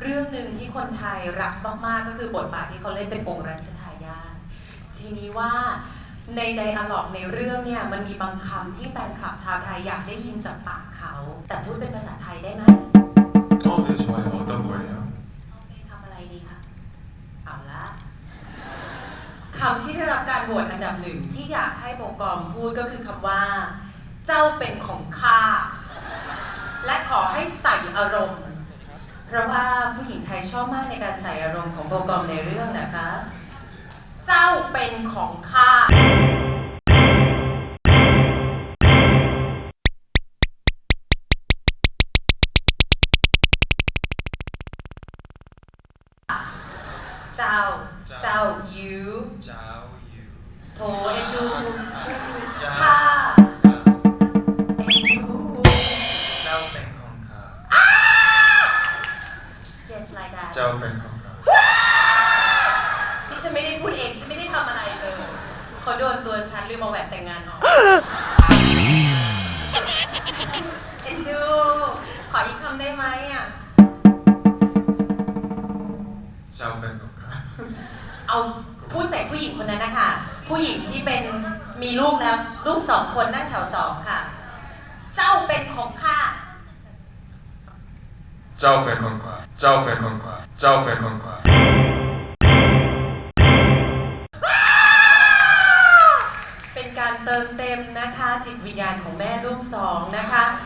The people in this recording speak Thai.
เรื่องหนึ่งที่คนไทยรักมากๆก็คือบทบาทที่เขาเล่นเป็นองค์รัชทายาททีนี้ว่าในไดอะล็อกในเรื่องเนี่ยมันมีบางคำที่แฟนคลับชาวไทยอยากได้ยินจากปากเขาแต่พูดเป็นภาษาไทยได้ไหม 네, 좋아요. 어떤 거예요? คำอะไรดีคะเอาละคำที่ได้รับการโหวตอันดับหนึ่งที่อยากให้โปรกรมพูดก็คือคำว่าเจ้าเป็นของข้าและขอให้ใส่อารมณ์เพราะว่าผู้หญิงไทยชอบมากในการใส่อารมณ์ของโปรกรมในเรื่องนะคะเจ้าเป็นของข้าเจ้า you โถเอ็นดูข้าเอ็นดู just like that ที่ฉันไม่ได้พูดเองฉันไม่ได้ทำอะไรเลยเขาโดนตัวฉันลืมเอาแหวนแต่งงานออกเอ็นดูขออีกคำได้ไหมอ่ะเอาพูดใส่ผู้หญิงคนนั้นนะคะผู้หญิงที่เป็นมีลูกแล้วลูก2 คนนั่งแถว2ค่ะเจ้าเป็นของข้าเป็นการเติมเต็มนะคะจิตวิญญาณของแม่ลูก2นะคะ